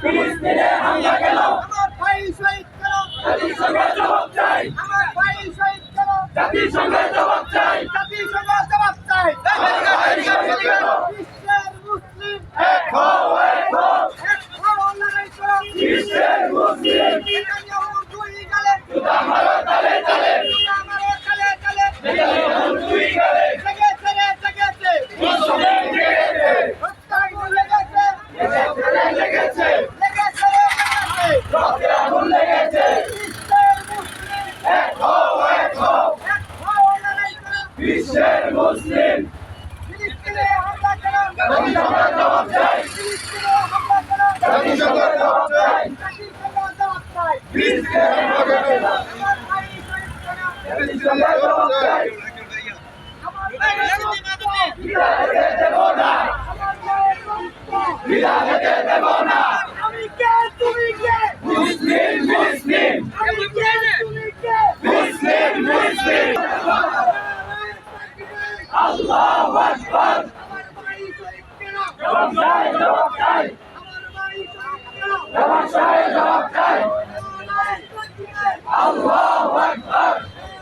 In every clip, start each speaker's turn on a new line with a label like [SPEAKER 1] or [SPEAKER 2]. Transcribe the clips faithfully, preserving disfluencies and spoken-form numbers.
[SPEAKER 1] ফিলিস্তিনে হামলা কেন?
[SPEAKER 2] আমার ভাই শহীদ কেন?
[SPEAKER 1] জাতিসংঘের জবাব চাই।
[SPEAKER 2] আমার ভাই শহীদ কেন?
[SPEAKER 1] জাতিসংঘের জবাব চাই।
[SPEAKER 2] জাতিসংঘ জবাব চাই। বিশ্বের মুসলিম
[SPEAKER 1] এক হও, এক হও।
[SPEAKER 2] এক হও, লড়াই করো।
[SPEAKER 1] বিশ্বের মুসলিম
[SPEAKER 2] নেতানিয়াহু দুই গালে,
[SPEAKER 1] জুতা মারো তালে তালে।
[SPEAKER 2] জুতা মারো তালে তালে।
[SPEAKER 1] নেতানিয়াহু দুই গালে।
[SPEAKER 2] জেগেছে রে, জেগেছে।
[SPEAKER 1] মুসলিম জেগেছে।
[SPEAKER 2] হত্যাকাণ্ড লেগেছে।
[SPEAKER 1] লেগেছে রে, লেগেছে।
[SPEAKER 2] লেগেছে রে, লেগেছে।
[SPEAKER 1] রক্তে আগুন লেগেছে।
[SPEAKER 2] বিশ্বের মুসলিম
[SPEAKER 1] এক হও, এক হও।
[SPEAKER 2] এক হও, লড়াই করো।
[SPEAKER 1] বিশ্বের মুসলিম
[SPEAKER 2] ফিলিস্তিনে হামলা কেন?
[SPEAKER 1] জাতিসংঘের জবাব চাই।
[SPEAKER 2] ফিলিস্তিনে হামলা কেন?
[SPEAKER 1] জাতিসংঘের জবাব চাই।
[SPEAKER 2] জাতিসংঘ জবাব চাই।
[SPEAKER 1] ফিলিস্তিনে হামলা কেন?
[SPEAKER 2] আমার ভাই শহীদ কেন?
[SPEAKER 1] জাতিসংঘের জবাব চাই।
[SPEAKER 2] আমার ভাইয়ের রক্ত,
[SPEAKER 1] বিনা হতে দেব না।
[SPEAKER 2] আমার ভাইয়ের রক্ত।
[SPEAKER 1] বিনা হতে দেব না।
[SPEAKER 2] আমি কে, তুমি কে?
[SPEAKER 1] মুসলিম মুসলিম
[SPEAKER 2] আমি কে, তুমি কে?
[SPEAKER 1] মুসলিম মুসলিম আল্লাহু আকবার।
[SPEAKER 2] আমার ভাই শহীদ কেন?
[SPEAKER 1] জবাব চাই, জবাব চাই।
[SPEAKER 2] আমার ভাই শহীদ কেন?
[SPEAKER 1] জবাব চাই, জবাব চাই। আল্লাহু আকবার।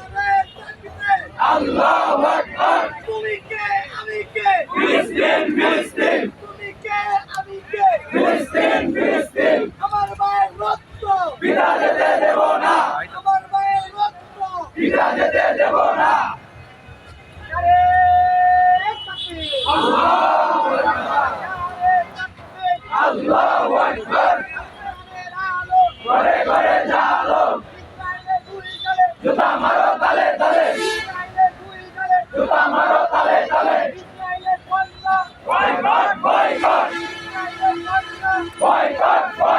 [SPEAKER 1] আল্লাহু আকবার।
[SPEAKER 2] তুমি কে, আমি কে?
[SPEAKER 1] ফিলিস্তিন ফিলিস্তিন
[SPEAKER 2] তুমি কে, আমি কে?
[SPEAKER 1] ফিলিস্তিন ফিলিস্তিন
[SPEAKER 2] আমার ভাইয়ের রক্ত,
[SPEAKER 1] বিনা যেতে দেব না।
[SPEAKER 2] আমার ভাইয়ের রক্ত।
[SPEAKER 1] বিনা যেতে দেব না।
[SPEAKER 2] নারে তাকবীর,
[SPEAKER 1] আল্লাহু আকবার।
[SPEAKER 2] নারে তাকবীর।
[SPEAKER 1] আল্লাহু আকবার।
[SPEAKER 2] ইসরায়েলের আলো,
[SPEAKER 1] ঘরে ঘরে জালো।
[SPEAKER 2] ইসরায়েলের দুই গালে,
[SPEAKER 1] জুতা মারো তালে তালে।
[SPEAKER 2] ইসরায়েলের দুই গালে,
[SPEAKER 1] জুতা মারো তালে তালে।
[SPEAKER 2] ইসরায়েলের কন্যা,
[SPEAKER 1] বয়কট বয়কট
[SPEAKER 2] ইসরায়েলের কন্যা।
[SPEAKER 1] Boycott boycott.